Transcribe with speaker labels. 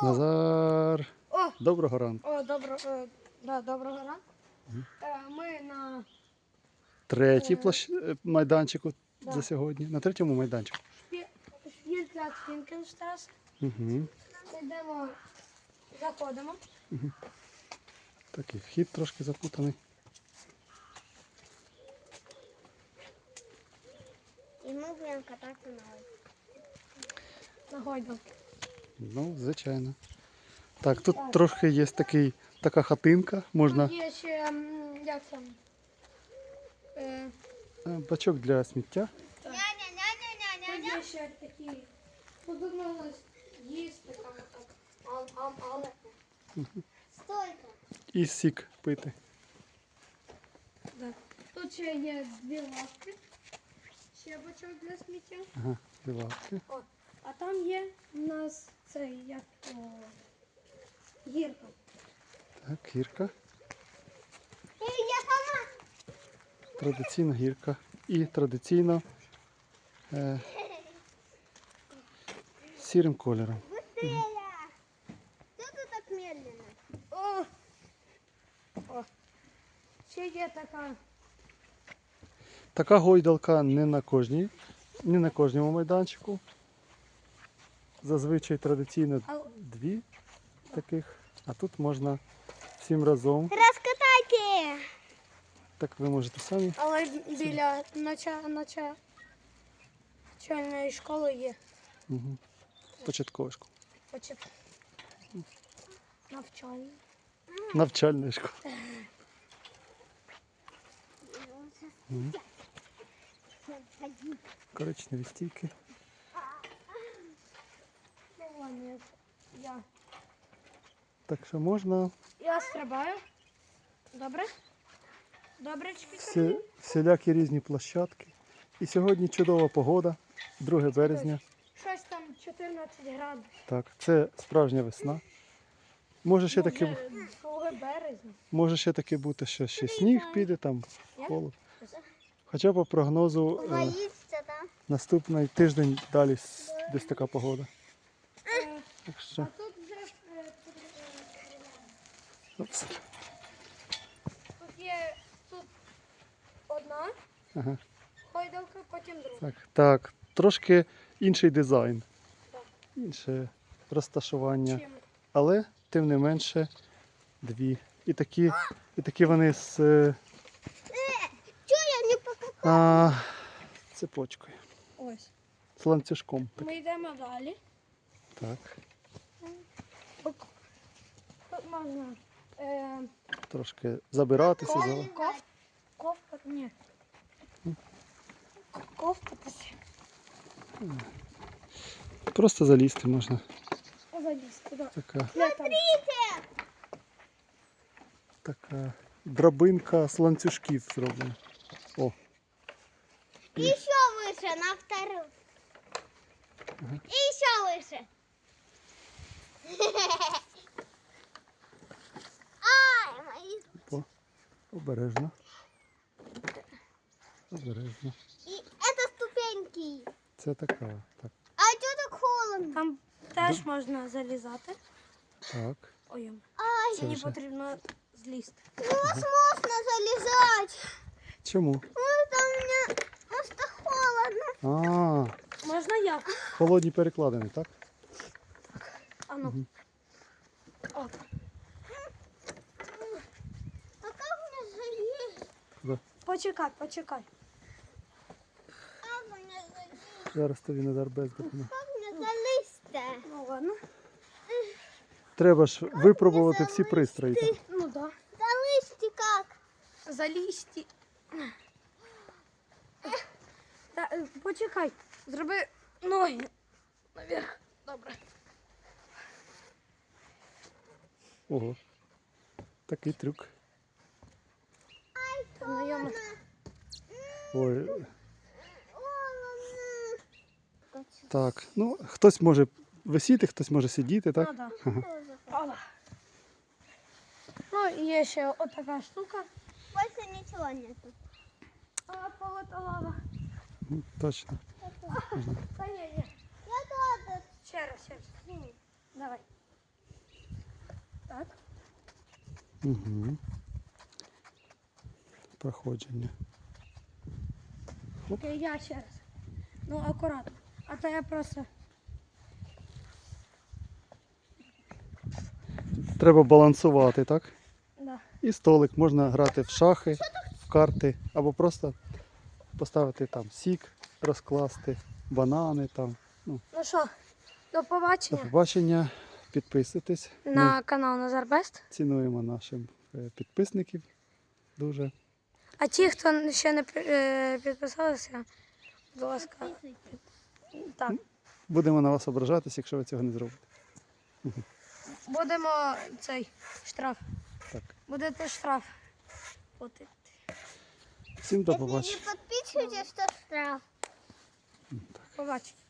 Speaker 1: Назар,
Speaker 2: О,
Speaker 1: доброго ранку.
Speaker 2: доброго ранку. Ми на
Speaker 1: Третій майданчику
Speaker 2: Да.
Speaker 1: за сьогодні. На третьому майданчику.
Speaker 2: Шпільпляц Фінкенштрас.
Speaker 1: Угу.
Speaker 2: Йдемо, заходимо.
Speaker 1: Такий вхід трошки запутаний.
Speaker 3: І ми будемо кататися
Speaker 2: На гойдалки.
Speaker 1: Ну, звичайно. Так, тут трохи є така хатинка. Можна
Speaker 2: Тут є ще, як там,
Speaker 1: бачок для сміття.
Speaker 2: тут є ще такі, тут можна їсти, там, але.
Speaker 3: Стойка.
Speaker 1: І сік пити.
Speaker 2: Да. Тут ще є дві лавки, ще бачок для сміття.
Speaker 1: Ага, дві лавки.
Speaker 2: О, а там є у нас цей, як гірка.
Speaker 1: Так, гірка.
Speaker 3: Я сама.
Speaker 1: Традиційна гірка. І традиційно сірим кольором.
Speaker 3: Быстрее. Что ты так медленно?
Speaker 2: О, ще є така.
Speaker 1: Така гойдалка не на кожному майданчику. Зазвичай традиційно дві таких, а тут можна всім разом.
Speaker 3: Раскатайте.
Speaker 1: Так ви можете самі.
Speaker 2: Але біля начальної школи є.
Speaker 1: Угу. Початкова школа.
Speaker 2: Навчальна.
Speaker 1: Навчальна школа. Коричневі стійки.
Speaker 2: Ну, ладно,
Speaker 1: Так що можна
Speaker 2: я стрибаю. Добре? Добречки.
Speaker 1: всілякі різні площадки. І сьогодні чудова погода, 2 березня.
Speaker 2: Щось там 14 градусів.
Speaker 1: Так, це справжня весна. Може ще таки,
Speaker 2: Вже 2 березня.
Speaker 1: може ще таки бути, що ще сніг піде, там
Speaker 2: Як?
Speaker 1: холод. Хоча по прогнозу
Speaker 3: Боится, да?
Speaker 1: наступний тиждень далі десь така погода. Так що,
Speaker 2: А тут вже
Speaker 1: опс.
Speaker 2: тут є одна
Speaker 1: Ага.
Speaker 2: гойдалка, потім друга.
Speaker 1: Так, трошки інший дизайн,
Speaker 2: Так.
Speaker 1: інше розташування,
Speaker 2: Чим?
Speaker 1: але тим не менше дві. І такі вони з
Speaker 3: Чё я не покупаю?
Speaker 1: цепочкою,
Speaker 2: Ось.
Speaker 1: з ланцюжком.
Speaker 2: Ми йдемо далі.
Speaker 1: Так,
Speaker 2: Тут можна
Speaker 1: трошки забиратися.
Speaker 2: ковкати. Ні. Ковкатися.
Speaker 1: Просто залізти можна.
Speaker 2: Залізти. Да.
Speaker 1: Така,
Speaker 3: Смотрите.
Speaker 1: така драбинка з ланцюжків зроблена. О,
Speaker 3: Еще выше, на вторую. И еще выше. Ай, мои.
Speaker 1: обережно. Обережно.
Speaker 3: И это ступеньки.
Speaker 1: Це така. Так.
Speaker 3: А что так холодно?
Speaker 2: Там теж можна залізати.
Speaker 1: Так.
Speaker 2: Ой,
Speaker 3: Ай,
Speaker 1: Це
Speaker 2: мені
Speaker 1: вже.
Speaker 2: потрібно злізти.
Speaker 3: у вас можно залезать.
Speaker 1: Чому?
Speaker 3: Это у меня просто холодно.
Speaker 2: Можна я?
Speaker 1: Холодні перекладини, так?
Speaker 2: А ну. О,
Speaker 3: А как мне залезть?
Speaker 2: почекай.
Speaker 3: Как мне залезть?
Speaker 1: Зараз тобі Назар без допомоги.
Speaker 3: Как мне залезть-то?
Speaker 2: Ну ладно.
Speaker 1: Треба ж випробувати всі пристрої. Так?
Speaker 2: Ну да.
Speaker 3: Залезть как?
Speaker 2: Залізти. Почекай. Зроби ноги наверх. Добре.
Speaker 1: Ого. Такий трюк.
Speaker 2: Знайомо.
Speaker 1: Ой.
Speaker 3: Холодно.
Speaker 1: Так, ну хтось може висіти, хтось може сидіти, так?
Speaker 2: Ну да. Опа. Ну, і є ще отака штука.
Speaker 3: Больше ничего нету.
Speaker 2: А полета лава.
Speaker 1: Точно.
Speaker 2: Та ні.
Speaker 3: Я тоже.
Speaker 2: Ще раз. Давай.
Speaker 1: Угу. Проходження.
Speaker 2: Окей, я ще раз. Ну, акуратно. А то я просто.
Speaker 1: Треба балансувати, так?
Speaker 2: Да.
Speaker 1: І столик можна грати в шахи, в карти, або просто поставити там сік, розкласти, банани там.
Speaker 2: Ну що, до
Speaker 1: До
Speaker 2: побачення
Speaker 1: побачення. Підписуйтесь. Ми
Speaker 2: на канал Назар Бест.
Speaker 1: цінуємо наших підписників дуже.
Speaker 2: А ті, хто ще не підписалися, будь ласка. Так,
Speaker 1: Будемо на вас ображатись, якщо ви цього не зробите.
Speaker 2: будемо цей штраф.
Speaker 1: Так.
Speaker 2: Будете штраф платити.
Speaker 1: Всім до
Speaker 3: Если не
Speaker 1: побачення.
Speaker 3: подписывайтесь, то штраф.
Speaker 2: Побачення.